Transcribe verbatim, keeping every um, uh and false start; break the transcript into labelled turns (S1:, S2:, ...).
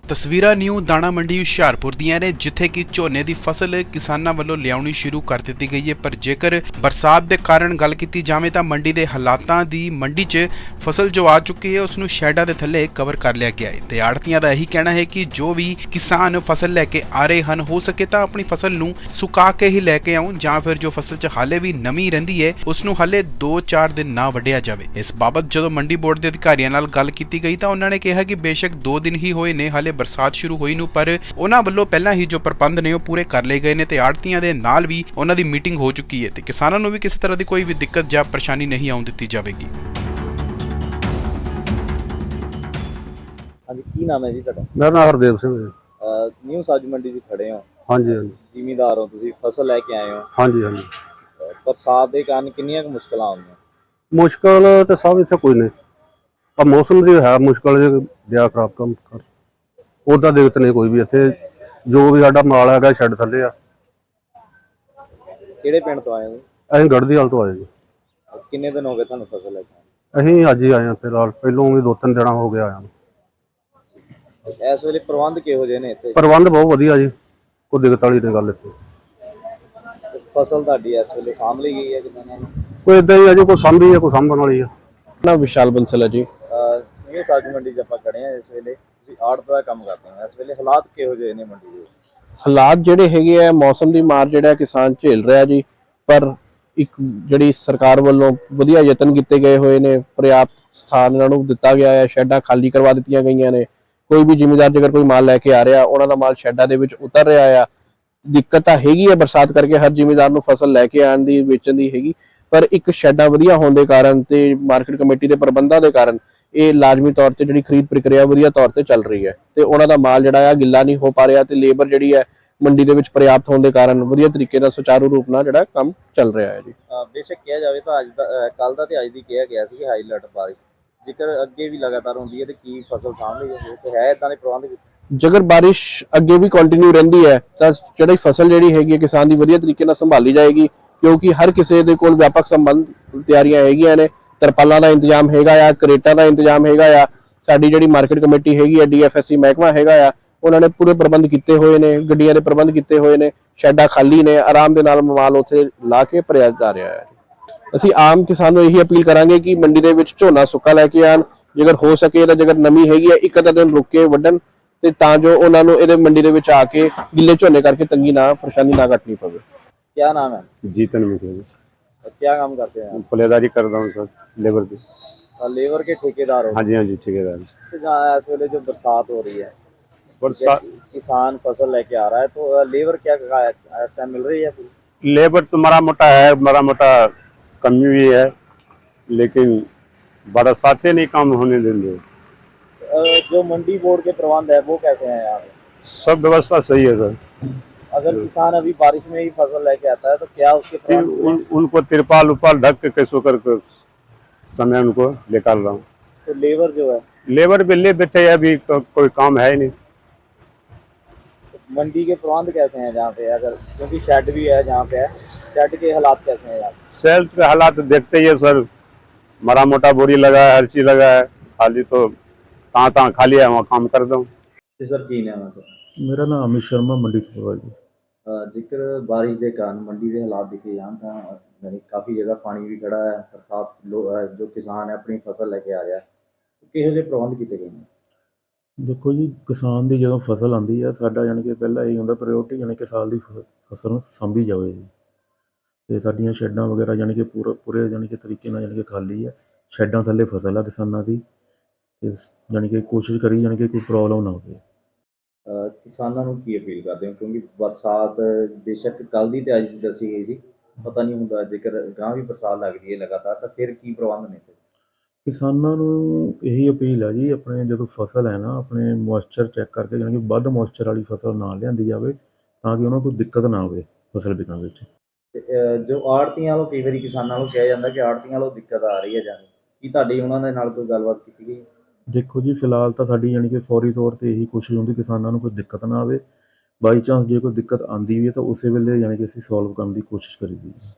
S1: ਤਸਵੀਰਾਂ ਨਿਊ ਦਾਣਾ ਮੰਡੀ ਹੁਸ਼ਿਆਰਪੁਰ ਦੀਆਂ ਨੇ, ਜਿੱਥੇ ਕਿ ਝੋਨੇ ਦੀ ਫਸਲ ਕਿਸਾਨਾਂ ਵੱਲੋਂ ਲਿਆਉਣੀ ਸ਼ੁਰੂ ਕਰ ਦਿੱਤੀ ਗਈ ਹੈ। ਪਰ ਜੇਕਰ ਬਰਸਾਤ ਦੇ ਕਾਰਨ ਗੱਲ ਕੀਤੀ ਜਾਵੇ ਤਾਂ ਮੰਡੀ ਦੇ ਹਾਲਾਤਾਂ ਦੀ ਮੰਡੀ 'ਚ ਫਸਲ ਜੋ ਆ ਚੁੱਕੀ ਹੈ ਉਸ ਨੂੰ ਸ਼ੈਡਾਂ ਦੇ ਥੱਲੇ ਕਵਰ ਕਰ ਲਿਆ ਗਿਆ ਹੈ ਤੇ ਆੜ੍ਹਤੀਆਂ ਦਾ ਇਹੀ ਕਹਿਣਾ ਹੈ ਕਿ ਜੋ ਵੀ ਕਿਸਾਨ ਫਸਲ ਲੈ ਕੇ ਆ ਰਹੇ ਹਨ, ਹੋ ਸਕੇ ਤਾਂ ਆਪਣੀ ਫਸਲ ਨੂੰ ਸੁਕਾ ਕੇ ਹੀ ਲੈ ਕੇ ਆਉਣ, ਜਾਂ ਫਿਰ ਜੋ ਫਸਲ 'ਚ ਹਾਲੇ ਵੀ ਨਮੀ ਰਹਿੰਦੀ ਹੈ ਉਸ ਨੂੰ ਹਾਲੇ ਦੋ ਚਾਰ ਦਿਨ ਨਾ ਵੱਢਿਆ ਜਾਵੇ। ਇਸ ਬਾਬਤ ਜਦੋਂ ਮੰਡੀ ਬੋਰਡ ਦੇ ਅਧਿਕਾਰੀਆਂ ਨਾਲ ਗੱਲ ਕੀਤੀ ਗਈ ਤਾਂ ਉਹਨਾਂ ਨੇ ਕਿਹਾ ਕਿ ਬੇਸ਼ੱਕ ਦੋ ਦਿਨ ਹੀ ਹੋਏ ਨੇ ਹਾਲੇ ਬਰਸਾਤ ਸ਼ੁਰੂ ਹੋਈ ਨੂੰ, ਪਰ ਉਹਨਾਂ ਵੱਲੋਂ ਪਹਿਲਾਂ ਹੀ ਜੋ ਪ੍ਰਬੰਧ ਨੇ ਉਹ ਪੂਰੇ ਕਰ ਲਏ ਗਏ ਨੇ ਤੇ ਆੜ੍ਹਤੀਆਂ ਦੇ ਨਾਲ ਵੀ ਉਹਨਾਂ ਦੀ ਮੀਟਿੰਗ ਹੋ ਚੁੱਕੀ ਹੈ ਤੇ ਕਿਸਾਨਾਂ ਨੂੰ ਵੀ ਕਿਸੇ ਤਰ੍ਹਾਂ ਦੀ ਕੋਈ ਵੀ ਦਿੱਕਤ ਜਾਂ ਪਰੇਸ਼ਾਨੀ ਨਹੀਂ ਆਉਣ ਦਿੱਤੀ ਜਾਵੇਗੀ।
S2: ਹਾਂਜੀ, ਕੀ ਨਾਮ ਹੈ ਜੀ ਤੁਹਾਡਾ?
S3: ਮੇਰਾ ਨਾਮ ਹਰਦੇਵ ਸਿੰਘ ਹੈ।
S2: ਨਿਊ ਸਬਜ਼ੀ ਮੰਡੀ 'ਚ ਖੜੇ ਹੋ।
S3: ਹਾਂਜੀ ਹਾਂਜੀ
S2: ਜ਼ਿਮੀਂਦਾਰ ਹੋ ਤੁਸੀਂ, ਫਸਲ ਲੈ ਕੇ ਆਏ ਹੋ।
S3: ਹਾਂਜੀ ਹਾਂਜੀ
S2: ਬਰਸਾਤ ਦੇ ਕਾਰਨ ਕਿੰਨੀਆਂ ਕੁ ਮੁਸ਼ਕਲਾਂ ਆਉਂਦੀਆਂ?
S3: ਮੁਸ਼ਕਲ ਤੇ ਸਭ ਇੱਥੇ ਕੋਈ ਨਹੀਂ, ਪਰ ਮੌਸਮ ਦੀ ਹੈ ਮੁਸ਼ਕਲ ਜੇ ਦਿਆ ਖਰਾਬ ਕੰਮ ਕਰ ਉਹਦਾ ਦਿੱਕਤ ਨਹੀਂ ਕੋਈ ਵੀ। ਇੱਥੇ ਜੋ ਵੀ ਸਾਡਾ ਮਾਲ ਹੈਗਾ ਛੱਡ ਥੱਲੇ ਆ।
S2: ਕਿਹੜੇ ਪਿੰਡ ਤੋਂ ਆਏ ਹੋ?
S3: ਅਸੀਂ ਗੜ੍ਹਦੀ ਹਾਲ ਤੋਂ ਆਏ ਜੀ।
S2: ਕਿੰਨੇ ਦਿਨ ਹੋ ਗਏ ਤੁਹਾਨੂੰ ਫਸਲ ਲੈ ਕੇ?
S3: ਅਸੀਂ ਅੱਜ ਹੀ ਆਏ ਹਾਂ ਫਿਲਹਾਲ, ਪਹਿਲੋਂ ਵੀ ਦੋ ਤਿੰਨ ਦਿਨਾਂ ਹੋ ਗਿਆ ਆਇਆ।
S2: ਇਸ ਵੇਲੇ ਪ੍ਰਬੰਧ ਕਿਹੋ ਜਿਹੇ ਨੇ ਇੱਥੇ?
S3: ਪ੍ਰਬੰਧ ਬਹੁਤ ਵਧੀਆ ਜੀ, ਕੋਈ ਦਿੱਕਤ ਵਾਲੀ ਨਹੀਂ ਗੱਲ ਇੱਥੇ।
S2: ਫਸਲ ਤੁਹਾਡੀ ਇਸ ਵੇਲੇ ਸਾਂਭ ਲਈ ਗਈ ਹੈ ਕਿਦਾਂ ਨਾਲ?
S3: ਕੋਈ ਇਦਾਂ ਹੀ ਆ ਜੀ, ਕੋਈ ਸਾਂਭੀ ਹੈ ਕੋਈ ਸਾਂਭਣ ਵਾਲੀ ਆ।
S4: ਨਾ ਵਿਸ਼ਾਲ ਬੰਸਲ ਹੈ ਜੀ।
S2: ਨਿਊ ਸਬਜ਼ੀ ਮੰਡੀ 'ਚ ਆਪਾਂ ਖੜੇ ਹਾਂ ਇਸ ਵੇਲੇ। ਤੁਸੀਂ ਆੜਤ ਦਾ ਕੰਮ ਕਰਦੇ ਹੋ, ਇਸ ਵੇਲੇ ਹਾਲਾਤ ਕਿਹੋ ਜਿਹੇ ਨੇ ਮੰਡੀ ਦੇ?
S4: ਹਾਲਾਤ ਜਿਹੜੇ ਹੈਗੇ ਆ, ਮੌਸਮ ਦੀ ਮਾਰ ਜਿਹੜਾ ਕਿਸਾਨ ਝੇਲ ਰਿਹਾ ਜੀ, ਪਰ ਇੱਕ ਜਿਹੜੀ ਸਰਕਾਰ ਵੱਲੋਂ ਵਧੀਆ ਯਤਨ ਕੀਤੇ ਗਏ ਹੋਏ ਨੇ, ਪਰਿਆਪਤ ਸਥਾਨ ਇਹਨਾਂ ਨੂੰ ਦਿੱਤਾ ਗਿਆ ਹੈ, ਸ਼ੈੱਡਾਂ ਖਾਲੀ ਕਰਵਾ ਦਿੱਤੀਆਂ ਗਈਆਂ ਨੇ। ਕੋਈ ਵੀ ਜ਼ਿਮੀਂਦਾਰ ਜੇਕਰ ਕੋਈ ਮਾਲ ਲੈ ਕੇ ਆ ਰਿਹਾ, ਉਹਨਾਂ ਦਾ ਮਾਲ ਸ਼ੈੱਡਾਂ ਦੇ ਵਿੱਚ ਉਤਰ ਰਿਹਾ ਆ। ਦਿੱਕਤ ਤਾਂ ਹੈਗੀ ਹੈ ਬਰਸਾਤ ਕਰਕੇ, ਹਰ ਜ਼ਿਮੀਂਦਾਰ ਨੂੰ ਫਸਲ ਲੈ ਕੇ ਆਉਣ ਦੀ, ਵੇਚਣ ਦੀ ਹੈਗੀ, ਪਰ ਇੱਕ ਸ਼ੈੱਡਾਂ ਵਧੀਆ ਹੋਣ ਦੇ ਕਾਰਨ ਤੇ ਮਾਰਕੀਟ ਕਮੇਟੀ ਦੇ ਪ੍ਰਬੰਧਾਂ ਦੇ ਕਾਰਨ ਇਹ ਲਾਜ਼ਮੀ ਤੌਰ ਤੇ ਜਿਹੜੀ ਖਰੀਦ ਪ੍ਰਕਿਰਿਆ ਵਧੀਆ ਤੌਰ ਤੇ ਚੱਲ ਰਹੀ ਹੈ ਤੇ ਉਹਨਾਂ ਦਾ ਮਾਲ ਜਿਹੜਾ ਆ ਗਿੱਲਾ ਨਹੀਂ ਹੋ ਪਾ ਰਿਹਾ ਤੇ ਲੇਬਰ ਜਿਹੜੀ ਹੈ ਮੰਡੀ ਦੇ ਵਿੱਚ ਪਰਿਆਪਤ ਹੋਣ ਦੇ ਕਾਰਨ ਵਧੀਆ ਤਰੀਕੇ ਨਾਲ ਸੁਚਾਰੂ ਰੂਪ ਨਾਲ ਜਿਹੜਾ ਕੰਮ ਚੱਲ ਰਿਹਾ ਹੈ ਜੀ।
S2: ਬੇਸ਼ੱਕ ਕਿਹਾ ਜਾਵੇ ਤਾਂ ਅੱਜ ਦਾ ਕੱਲ ਦਾ ਤੇ ਅੱਜ ਦੀ ਕਿਹਾ ਗਿਆ ਸੀ ਹਾਈ ਅਲਰਟ ਬਾਰਿਸ਼, ਜੇਕਰ ਅੱਗੇ ਵੀ ਲਗਾਤਾਰ ਹੁੰਦੀ ਹੈ ਤੇ ਕੀ ਫਸਲ ਸਾਂਭ ਲਈ ਜਾਂਦੀ ਤੇ ਹੈ ਇਦਾਂ ਦੇ ਪ੍ਰਬੰਧ?
S4: ਜੇਕਰ ਬਾਰਿਸ਼ ਅੱਗੇ ਵੀ ਕੰਟੀਨਿਊ ਰਹਿੰਦੀ ਹੈ ਤਾਂ ਜਿਹੜੀ ਫਸਲ ਜਿਹੜੀ ਹੈਗੀ ਹੈ ਕਿਸਾਨ ਦੀ ਵਧੀਆ ਤਰੀਕੇ ਨਾਲ ਸੰਭਾਲੀ ਜਾਏਗੀ, ਕਿਉਂਕਿ ਹਰ ਕਿਸੇ ਦੇ ਕੋਲ ਵਿਆਪਕ ਸੰਬੰਧ ਤਿਆਰੀਆਂ ਹੈਗੀਆਂ ਨੇ। ਤਰਪਾਲਾਂ ਦਾ ਇੰਤਜ਼ਾਮ ਹੈਗਾ ਆ, ਕਰੇਟਾਂ ਦਾ ਇੰਤਜ਼ਾਮ ਹੈਗਾ ਆ। ਸਾਡੀ ਜਿਹੜੀ ਮਾਰਕੀਟ ਕਮੇਟੀ ਹੈਗੀ ਹੈ, ਡੀ ਐਫ ਐਸ ਸੀ ਮਹਿਕਮਾ ਹੈਗਾ ਆ, ਉਹਨਾਂ ਨੇ ਪੂਰੇ ਪ੍ਰਬੰਧ ਕੀਤੇ ਹੋਏ ਨੇ, ਗੱਡੀਆਂ ਦੇ ਪ੍ਰਬੰਧ ਕੀਤੇ ਹੋਏ ਨੇ, ਸ਼ੈੱਡਾਂ ਖਾਲੀ ਨੇ, ਆਰਾਮ ਦੇ ਨਾਲ ਮਾਲ ਉੱਥੇ ਲਾ ਕੇ ਭਰਿਆ ਜਾ ਰਿਹਾ ਹੈ। ਅਸੀਂ ਆਮ ਕਿਸਾਨ ਨੂੰ ਇਹੀ ਅਪੀਲ ਕਰਾਂਗੇ ਕਿ ਮੰਡੀ ਦੇ ਵਿੱਚ ਝੋਨਾ ਸੁੱਕਾ ਲੈ ਕੇ ਆਉਣ, ਜੇਕਰ ਹੋ ਸਕੇ ਤਾਂ ਜੇਕਰ ਨਮੀ ਹੈਗੀ ਹੈ ਇੱਕ ਅੱਧਾ ਦਿਨ ਰੁਕ ਕੇ ਵੱਢਣ, ਤੇ ਤਾਂ ਜੋ ਉਹਨਾਂ ਨੂੰ ਇਹਦੇ ਮੰਡੀ ਦੇ ਵਿੱਚ ਆ ਕੇ ਗਿੱਲੇ ਝੋਨੇ ਕਰਕੇ ਤੰਗੀ ਨਾ ਪਰੇਸ਼ਾਨੀ ਨਾ ਕੱਟਣੀ ਪਵੇ।
S2: क्या नाम है?
S3: जीतन मिश्रा जी।
S2: क्या काम करते हैं?
S3: पलेदारी कर रहा हूँ सर, लेबर की।
S2: लेबर के ठेकेदार हो?
S3: हाँ जी हाँ जी ठेकेदार।
S2: तो जहाँ इस वेले जो बरसात हो रही है,
S3: बरसात
S2: किसान फसल लेके आ रहा है, तो लेबर क्या इस टाइम मिल रही है?
S3: लेबर तो मारा मोटा है, मारा मोटा कमी हुई है, लेकिन बरसातें नहीं काम होने देंगे।
S2: जो मंडी बोर्ड के प्रबंध है वो कैसे हैं यहाँ पे?
S3: सब व्यवस्था सही है सर।
S2: अगर किसान अभी बारिश में ही फसल लेके आता है तो क्या उसके प्रबंध
S3: उन, उनको तिरपाल उपाल ढक के कैसो कर समय उनको निकाल रहा हूँ।
S2: तो लेबर जो है,
S3: लेबर भी ले बैठे हैं, अभी को, कोई काम है ही नहीं।
S2: तो मंडी के प्रबंध कैसे हैं जहाँ पे? अगर क्योंकि शेड भी है जहाँ पे है, शेड के हालात कैसे हैं यहाँ पे?
S3: सेल्फ के हालात देखते ही है सर, मरा मोटा बोरी लगा है, हर चीज लगा है, खाली तो कहाँ कहाँ खाली है वहाँ काम कर दूँ।
S2: सर की नाम है सर?
S5: मेरा नाम अमित शर्मा, मंडी सुपरवाइजर जी।
S2: जिक्र बारिश के कारण मंडी के हालात दिखे जान तो यानी काफ़ी जगह पानी भी खड़ा है, बरसात जो किसान है अपनी फसल लेके आ रहा है, तो किहो ਜਿਹੇ प्रबंध किए गए हैं?
S5: देखो जी, किसान की जो फसल आती है साडा यानी कि पहला यही होंगे प्रायोरिटी, यानी कि साल की फसल साਂਭੀ जाए जी। तो साडियां शैड्डां वगैरह यानी कि पूरा पूरे यानी कि तरीके नाल यानी कि खाली है, शैड्डां थल्ले फसल है किसानां दी, यानी कि कोशिश करी यानी कि कोई प्रॉब्लम ना हो।
S2: किसानों को की अपील करते हो, क्योंकि बरसात बेशक कल की तो अज दसी गई थी, पता नहीं होंगे जेकर गांव भी बरसात लगती है लगातार तो फिर की प्रबंध ने?
S5: किसानों को यही अपील है जी, अपने जो फसल है ना अपने मॉइस्चर चैक करके यानी कि वध मॉइस्चर वाली फसल ना लियाती जाए, ताकि उन्होंने कोई दिक्कत ना आए फसल बिकने में।
S2: जो आड़तियां वालों कई बार किसानों को कहा जाता कि आड़तियां वालों दिक्कत आ रही है जाने की, तुहाडी उन्होंने नाल कोई गलबात की गई?
S5: देखो जी, फिलहाल तो साड़ी यानी कि फौरी तौर पर यही कोशिश होंगी किसानों को कोई दिक्कत ना आए, बाई चांस जो कोई दिक्कत आती भी है तो उस वेले यानी कि असीं सॉल्व करने की कोशिश करी दी।